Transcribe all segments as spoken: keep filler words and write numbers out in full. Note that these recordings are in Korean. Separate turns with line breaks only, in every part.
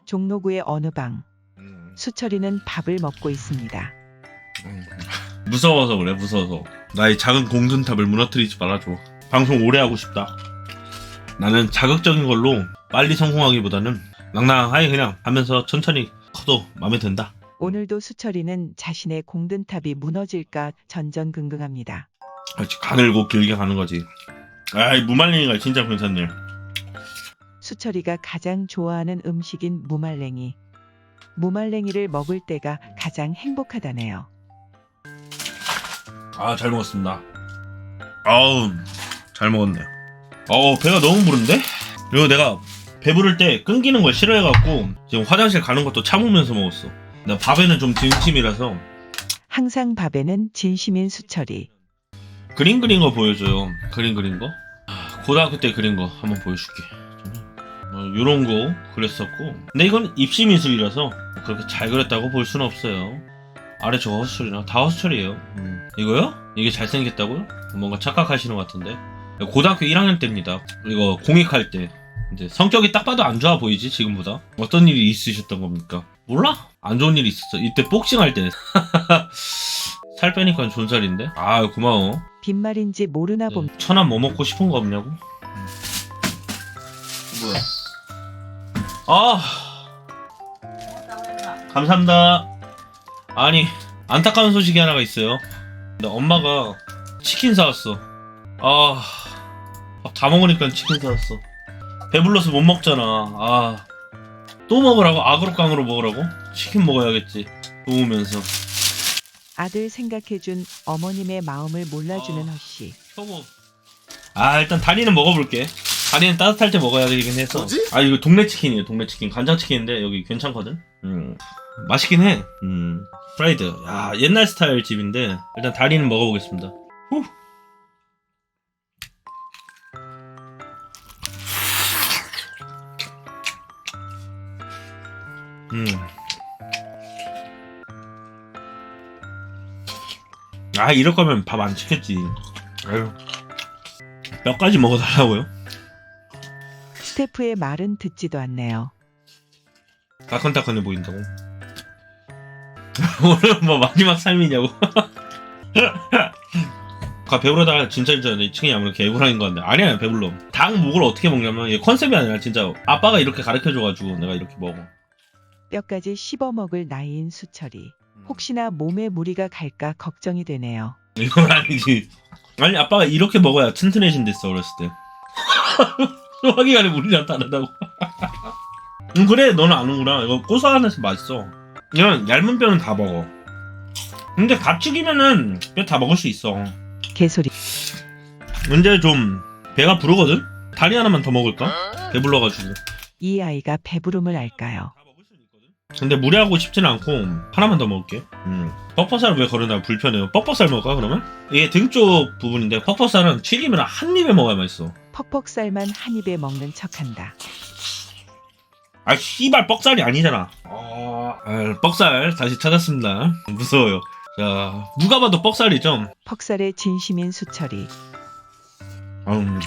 종로구의 어느 방.
음.
수철이는 밥을 먹고 있습니다.
음. 무서워서 그래, 무서워서. 나의 작은 공든탑을 무너뜨리지 말아줘. 방송 오래 하고 싶다. 나는 자극적인 걸로 빨리 성공하기보다는 낭낭하게 그냥 하면서 천천히 커도 마음에 든다.
오늘도 수철이는 자신의 공든탑이 무너질까 전전긍긍합니다.
그렇지, 가늘고 길게 가는 거지. 아이, 무말랭이가 진짜 괜찮네.
수철이가 가장 좋아하는 음식인 무말랭이. 무말랭이를 먹을 때가 가장 행복하다네요.
아, 잘 먹었습니다. 아우, 잘 먹었네. 어우, 배가 너무 부른데? 그리고 내가 배부를 때 끊기는 걸 싫어해갖고 지금 화장실 가는 것도 참으면서 먹었어. 나 밥에는 좀 진심이라서.
항상 밥에는 진심인 수철이.
그림 그린 거 보여줘요. 그림 그린 거. 아, 고등학교 때 그린 거 한번 보여줄게. 어, 요런 거 그렸었고. 근데 이건 입시 미술이라서 그렇게 잘 그렸다고 볼 수는 없어요. 아래 저거 허수철이나 다 허수철이에요. 음. 이거요? 이게 잘생겼다고요? 뭔가 착각하시는 것 같은데. 고등학교 일 학년 때입니다. 이거 공익할 때. 이제 성격이 딱 봐도 안 좋아 보이지, 지금보다. 어떤 일이 있으셨던 겁니까? 몰라? 안 좋은 일이 있었어. 이때 복싱할 때. 살 빼니까 존살인데? 아, 고마워.
빈말인지 모르나 봅니다.
천안 뭐 먹고 싶은 거 없냐고? 뭐야? 아, 감사합니다. 아니, 안타까운 소식이 하나가 있어요. 근데 엄마가 치킨 사왔어. 아, 밥 다 먹으니까 치킨 사왔어. 배불러서 못 먹잖아. 아, 또 먹으라고? 아그로깡으로 먹으라고? 치킨 먹어야겠지. 도우면서.
아들 생각해준 어머님의 마음을 몰라주는
아.
허씨.
초보. 아, 일단 다리는 먹어볼게. 다리는 따뜻할 때 먹어야 되긴 해서.
뭐지?
아, 이거 동네 치킨이에요. 동네 치킨. 간장 치킨인데 여기 괜찮거든. 음, 맛있긴 해. 음, 프라이드. 야, 옛날 스타일 집인데 일단 다리는 먹어보겠습니다. 후. 음. 아, 이럴 거면 밥 안 시켰지. 아유. 몇 가지 먹어달라고요?
스태프의 말은 듣지도 않네요.
따끈따끈해 보인다고. 오늘 뭐 마지막 삶이냐고. 아, 배부르다가 진짜 진짜 내 층이 아무래도 개구라인 것 같네. 아니야, 배불러. 닭 목을 어떻게 먹냐면 이게 컨셉이 아니라 진짜 아빠가 이렇게 가르쳐줘가지고 내가 이렇게 먹어.
뼈까지 씹어먹을 나이인 수철이. 혹시나 몸에 무리가 갈까 걱정이 되네요.
이건 아니지. 아니, 아빠가 이렇게 먹어야 튼튼해진댔어, 어렸을 때. 소화기관에 물이 나타난다고. 응, 그래, 너는 아는구나. 이거 고소하면서 맛있어. 이건 얇은 뼈는 다 먹어. 근데 가축이면은 뼈 다 먹을 수 있어.
개소리.
근데 좀 배가 부르거든? 다리 하나만 더 먹을까? 배불러가지고.
이 아이가 배부름을 알까요?
근데 무리하고 싶지는 않고 하나만 더 먹을게. 음. 퍽퍽살 왜 거르나 불편해요. 퍽퍽살 먹을까 그러면? 이게 등 쪽 부분인데 퍽퍽살은 튀기면 한 입에 먹어야 맛있어.
퍽퍽살만 한 입에 먹는 척한다.
아, 씨발 뻑살이 아니잖아. 아, 아, 뻑살 다시 찾았습니다. 무서워요. 자, 누가 봐도 뻑살이죠.
퍽살의 진심인 수철이.
음.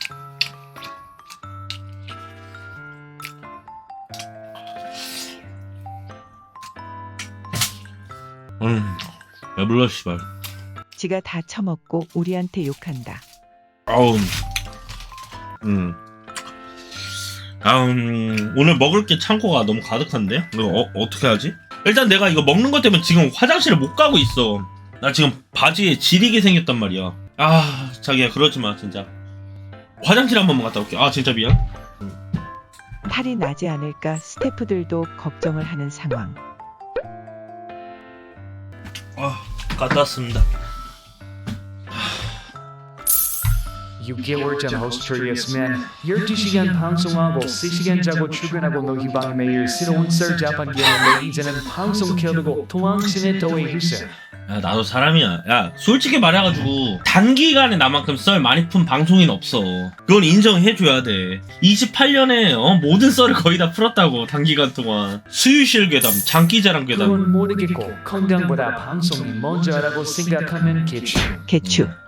음, 배불러 씨발.
지가 다 처먹고 우리한테 욕한다.
아우, 음, 아, 음, 오늘 먹을 게 창고가 너무 가득한데? 이거 어, 어떻게 하지? 일단 내가 이거 먹는 것 때문에 지금 화장실을 못 가고 있어. 나 지금 바지에 지리게 생겼단 말이야. 아, 자기야, 그러지 마, 진짜. 화장실 한 번만 갔다 올게. 아, 진짜 미안.
탈이 나지 않을까 스태프들도 걱정을 하는 상황.
아, 갔다 왔습니다.
육 개월 전 호스트였으면 열두 시간 방송하고 세 시간 자고 출근하고 너희 방에 매일 새로운 썰 잡아기였는데 이제는 방송 켜두고 도망치네 더해주세요.
야, 나도 사람이야. 야, 솔직히 말해가지고 단기간에 나만큼 썰 많이 푼 방송인 없어. 그건 인정해줘야 돼. 이십팔 년에 어, 모든 썰을 거의 다 풀었다고. 단기간 동안 수유실 괴담, 장기자랑 괴담.
그건 모르겠고 건강보다 방송이 먼저라고 생각하면 개추.
개추.